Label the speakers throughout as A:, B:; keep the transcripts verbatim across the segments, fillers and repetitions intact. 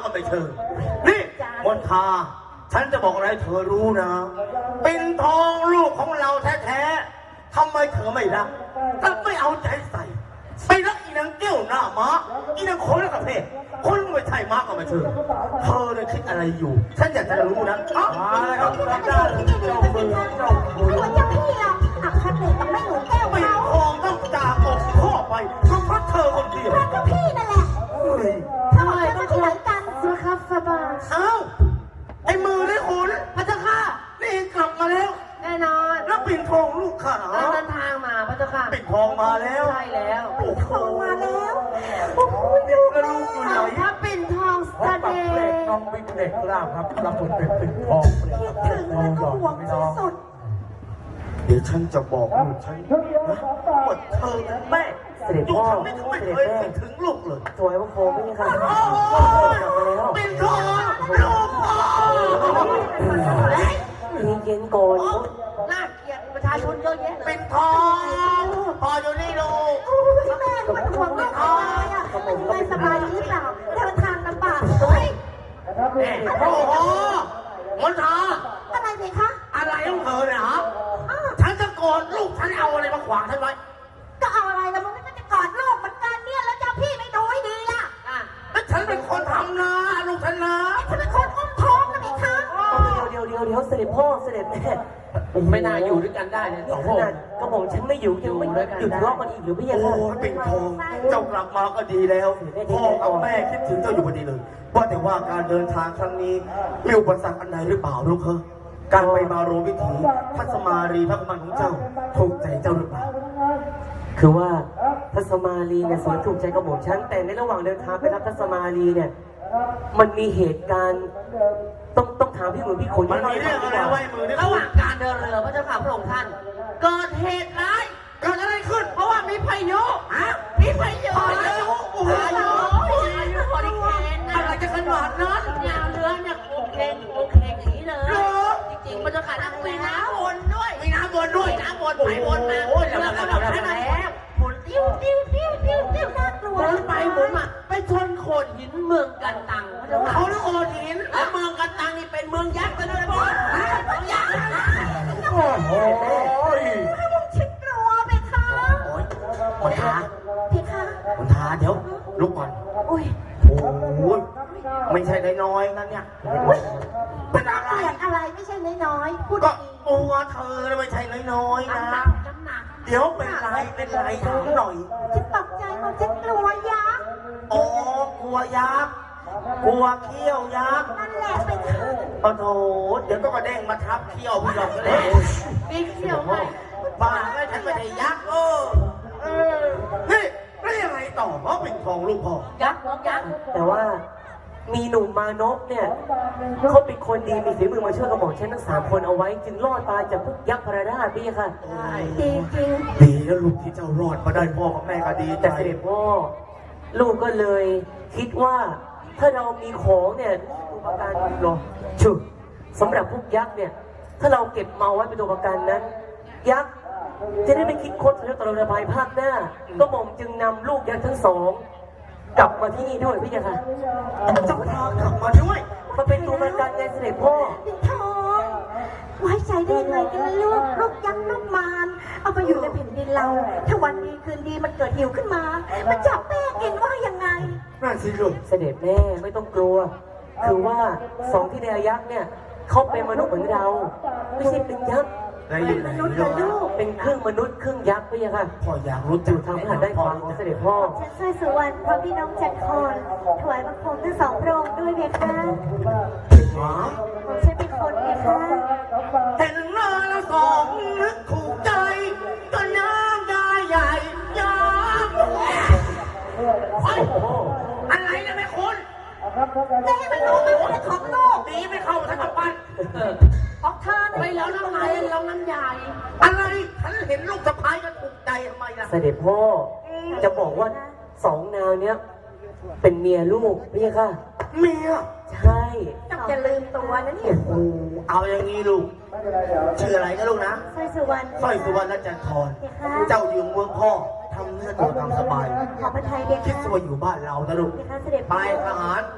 A: ก็ไม่เชิญนี่มนทาฉันจะบอกอะไรเธอรู้นะเป็นทองลูกของเราแท้ๆทำไมเธอไม่รักถ้าไม่เอาใจใส่ไปรักอีนางเกี้ยวหน้าม้าอีนางคนละกับเพศคนไม่ใช่ม้าก็ไม่เชิญเธอเนี่ยคิดอะไรอยู่ฉันอยากจะรู้นะอ๋ออะไรครับรับได้เจ้ามือเจ้ามือ
B: เจ้าพี่เราอักขระกับไม่หนูแก้ว
A: เป็น
B: เขา
A: ทองต้องจากอกข้อไปเพราะเธอคนเดียว
B: เจ้าพี่นั่นแหละทำไมต้องที่ไหนกันสุขฟาบา
A: เอ้าไอ้มือได้ขุนพระเจ้าค่ะนี่กลับมาแล้ว
C: แน่นอน
A: แล้วปิ่นทองลูกข้า
C: เราเดินทางมาพระเจ้าค่ะ
A: ปิ่นทองมาแล้ว
C: ใช่แล้ว
A: โอ้โห
B: มาแล้วโอ้ยดู
A: แล้วลูกอยู่ไหน
C: พระปิ่นทองเสด็จ
D: น้องบิ๊กเด็กกล้าครับรับบทเป็นปิ่นทอง
B: คิดถึงและก็ห่วงที่สุด
A: เดี๋ยวฉันจะบอกลูกฉันนะว่าเธอเป็นแม่
E: เสด็จ
A: อยู่
E: พ่อ
A: ทำไม่เคย
E: เสด็จ
A: เคย
E: แม่
A: คิดถึงลูกเลย
E: ถวายพระโคมไม่ใช่ค่ะ
A: โอ้
E: กลับมาแล้ว
A: ปิ่นทองลูกพ่อ
E: เย็นๆก่อน
C: น่าเกลียดประชาชนเยอะแยะเลย
A: ปิ่นทองพ่ออยู่นี่ลูก
B: โอ้ยแม่มันห่วงลูกอะไรอ่ะเป็นยังไงสบายดีหรือเปล่าเดินทางลำบากด้วย
A: โอ้โหมนทา
B: อะไรเลยคะ
A: อะไรของเธอเนี่ยฮะ
B: อ้าว
A: ฉันจะโกรธลูกฉันเอาอะไรมาขวางฉันไว้
B: ก็เอาอะไรแล้วมันก็จะกอดลูกเหมือนกันเนี่ยแล้วเจ้าพี่ไม่ดูให้ดีล่ะ
C: อ่ะ
A: แล้วฉันเป็นคนทำนะลูกฉันนะ
B: ฉันเป็นคนอุ้มท้องนะพี่คะ
E: เดี๋ยวเดี๋ยวเดี๋ยวเสด็จพ่อเสด็จแม่
C: ไม่น่าอยู่ด้วยกันได้เลยสอง
E: ข
C: คน
E: นาดกระหม่อมฉันไม่อยู่ยังไม่หยุดทะเลาะกันอีกหรือไม่ยัง
A: โอ้
E: ค่ะ
A: ยเป็นทองเจ้ากลับมาก็ดีแล้วพ่อกับแม่คิดถึงเจ้าอยู่พอดีเลยว่าแต่ว่าการเดินทางครั้งนี้มีอุปสรรคอันใดหรือเปล่าลูกเฮ้การไปมาโรวิถีพัสมารีพระกุมารของเจ้าถูกใจเจ้าหรือเปล่า
E: คือว่าทัศมาลีเนี่ยสวนถูกใจกระหม่อมฉันแต่ในระหว่างเดินทางไปรับทัศมาลีเนี่ยมันมีเหตุการณ์ต้องต้องถามพี่หมือพี่ขน
A: มันมีเรื่องอะไรไว้มือเนี่ย
C: ระหว่างการเดินเรือพระเจ้าค่ะพระองค์ท่าน เกิดเหตุร้าย
A: เกิดอะไรขึ้น
C: เพราะว่ามีพายุ
A: ฮะ
C: มีพายุ
A: พายุโอ้โห
C: พายุพายุฮอริเคนนะ
A: อะไรจะขนาดนั้น
C: เนี่ยเรือเนี่ยโอเคโอเคอย่างนี้เลย จริงๆพระเจ้าค่ะนั่งมีน้ำวนด้วย
A: มีน้ำวนด้วย
C: มีน้ำวนไปวนมา
A: โอ้ย
C: เรื
A: แล้ว
C: อ
A: แล้
C: ก็
A: ว
C: แบบ
A: แล้ว
C: ให้
A: แล้ว
C: มันแล้วหมุนติ้วติ้วติ้วติ้วติ้ว
B: น่ากลัว
C: หมุนไปหมุนมาไปชนโขดหินเมืองกันตังพระเจ้าค่ะ
A: เขาเรียกโอหิน
C: แล้วเมืองกันตังนี่เป็นเมืองยักษ์กันด้วยพ่อเมืองยักษ์
A: โอ้โห
B: ให้ผมชิดกลัวไปคะ
A: โอ้ยมนทา
B: พี่คะ
A: มนทาเดี๋ยวลุกก่อน
B: อุ้ย
A: โอ้โหไม่ใช่น้อยๆนะเนี่ยเป็นอะไร
B: เสียงอะไรไม่ใช่น้อยๆพูด
A: ก็
B: ดี
A: ตัวเธอไม่ใช่น้อยๆนะ
C: น้ำหนักน้ำหนัก
A: เดี๋ยวเป็นไรเป็นไรถามหน่อย
B: ฉันตกใจว่าฉันกลัวยักษ์
A: อ๋อกลัวยักษ์กลัวเขี้ยวยักษ์
B: นั่นแหละไปคะ
A: โอ้โหเดี๋ยวก็กระเด้งมาทับเขี้ยวพี่หลอกก็เลย
C: ปีกเขียวไง
A: บ้าไม่ฉันไม่ใช่ยักษ์เออเออนี่แล้วยังไงต่อเพราะเป็นทองลูกพ่อ
C: ยักษ์ยักษ์
E: แต่ว่ามีหนุ่มมานพเนี่ยเขาเป็นคนดีมีฝีมือมาช่วยกระหม่อมฉันทั้งสามคนเอาไว้จึงรอดตายจากพวกยักษ์พระราชพี่ค่ะ
B: จริงจริง
A: ดีแล้วลูกที่เจ้ารอดมาได้พ่อกับแม่ก็ดีใจ
E: แต่เสด็จพ่อลูกก็เลยคิดว่าถ้าเรามีของเนี่ยตัวประกันหรอชุดสำหรับพวกยักษ์เนี่ยถ้าเราเก็บมาไว้เป็นตัวประกันนั้นยักษ์จะได้ไม่คิดคดแล้วตลอดภายภาคหน้าก็หม่อมจึงนำลูกยักษ์ทั้งสองกลับมาที่นี่ด้วยพี่ค่ะ
A: เจ้าพากลับมาด้วย
E: มาเป็นตัวประกันไงเสด็จพ่อ
B: เป็นทองไว้ใจได้ไงกันล่ะลูกลูกยักษ์ลูกมารเอาไปอยู่ในแผ่นดินเรา ถ้าวันดีคืนดีมันเกิดหิวขึ้นมา มันจับแม่กินว่ายังไง
A: น่าสิลูก
E: เสด็จแม่ไม่ต้องกลัว คือว่าสองที่แดยักษ์เนี่ยเขาเป็นมนุษย์เหมือนเรา ไม่ใช่เป็นยักษ์
A: ได้ยินไหม
B: เป็นมนุษย์เหร
A: ลู
B: อลู
A: ก
B: ก
E: เป็นครึ่งมนุษย์ครึ่งยักษ์พี่ค่ะ
A: พ่ออยากรู้
E: อ
A: จัก
E: ยู่ทางพระหัตถ์ด้านขวาของเสด็จพ่อ
B: ฉันสร้อยสุวรรณพร้อมพี่น้องจันทร์ถวายบังคมทั้งสองพระองค์ด้วยเบียค่ะ
A: หมา
B: ผมฉันเป็นคนเบียค่ะ
A: เห็นหน้าแล้วสองนึกถูกใจก็น้ำได้ใหญ่ยากเฮ้ยอะไรนะแม่คุณ
B: แม่มันรู้ไหมว่าเป็นของลูก
A: ตีไม่เข้าทั้งกับปั้น
B: ของเธอ
C: ไป
B: น่ะ
C: แล้วน้ำไหลแล้วน้ำใหญ่
A: อะไรฉันเห็นลูกสะพ้ายก็ถูกใจทำไมล่ะ
E: เสด็จพ่อจะบอกว่าสองนางเนี้ยเป็นเมียลูกพี่ค่ะ
A: เมีย
E: ใช่
B: ต้องจะลืมตัวนะเนี่ย
A: โอ้เอาอย่างนี้ลูกชื่ออะไรนะลูกนะ
B: สร้อยสุวรรณ
A: สร้อยสุวรรณจันทร
B: เบียค่ะ
A: เจ้าอยู่เมืองพ่อทำเนื้อตัวตามสบาย
B: ขอพระไทยเบีย
A: คิด
B: ค่ะ
A: ว่าอยู่บ้านเรานะลูก
B: เบียค่ะเสด็จ
A: ไปทหาร
B: ฉันลา
A: ไป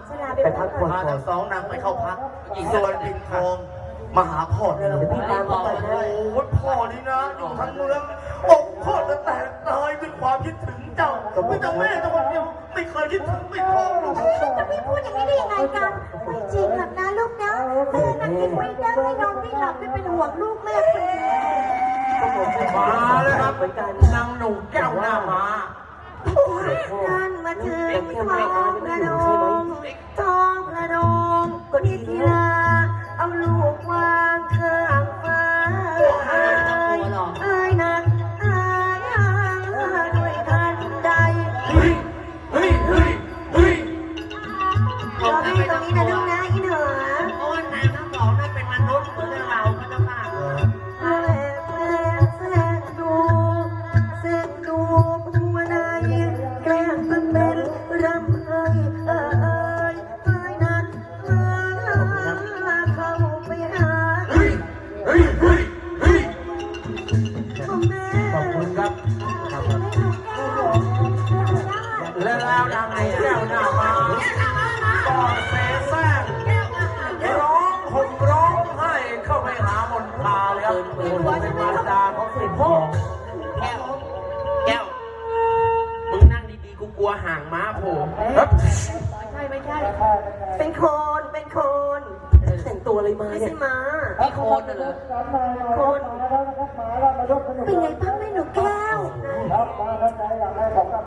E: พักผ่อน
A: พา
E: ก่อ
A: ทั้
E: น
A: งสองนางไปเข้าพักอีกส่วนปิ่นทองมาหาพ่อเนี่ย
E: เดี๋ยวพี่ตามเขาไปนะ
A: โอ้ยพ่อนี่นะอยู่ทั้งเมืองอกพ่อจะแตกตายด้วยความคิดถึงเจ้าไม่แต่แม่แต่คนเดียวไม่เคยคิดถึงปิ่นทองเลย
B: จะไม่พูดอย่างนี้ได้ยังไงกัน ไม่จริงหรอกนะลูกนะแม่นั่งกินไม่ได้นอนไม่หลับไม่เป็นห่วงลูกแม่คนเดียว
E: ก็ผมจะ
D: มาแล้วครับ
E: เหมือนกัน
D: นางหนูแก้วหน้ามา
B: นั่นมาถึงทองพระโดงทองพระโดงนิธิลาเอาลูกวางข้างฟ้าเอ้ยนักอายด้วยทันใด
D: เฮ้ย เฮ้ย เฮ้ย เฮ้ย
B: รอแม่ตรงนี้นะลูกนะอีเหนือ
C: เพราะว่านางทั้งสองนั้นเป็นมนุษย์เหมือนเราพระเจ้าค่ะ
B: แม่แม่แสกดูแสกดูผู้ใดแกล้งเป็นเป็นรำเอ้ยเอ้ยเอ้ยนั้นเอ้ยเข้าไปหา
D: เฮ้ย เฮ้ย เฮ้ย เฮ้ย
B: พ่อแม่
D: ขอบคุณครับ และแล้วนางหนูแก้วหน้ามาก็เสแสร้งร้องห่มร้องไห้เข้าไปหามนทาเลยครับเป็นมารดาของสิทธิพ่อ
C: แก้ว แก้ว มึงนั่งดีๆ กูกลัวห่างม้าโผล่
D: ครับ
C: ไม่ใช่ ไม่ใช่
B: เป็นโคน เป็นโคน
E: แต่งตัวอะไรมา
B: ไม่
E: เนี่
B: ใช่
E: ย
B: ม้า
C: มีโคนน่ะเหรอ
B: โคน เป็นไงบ้างแม่หนูแก้ว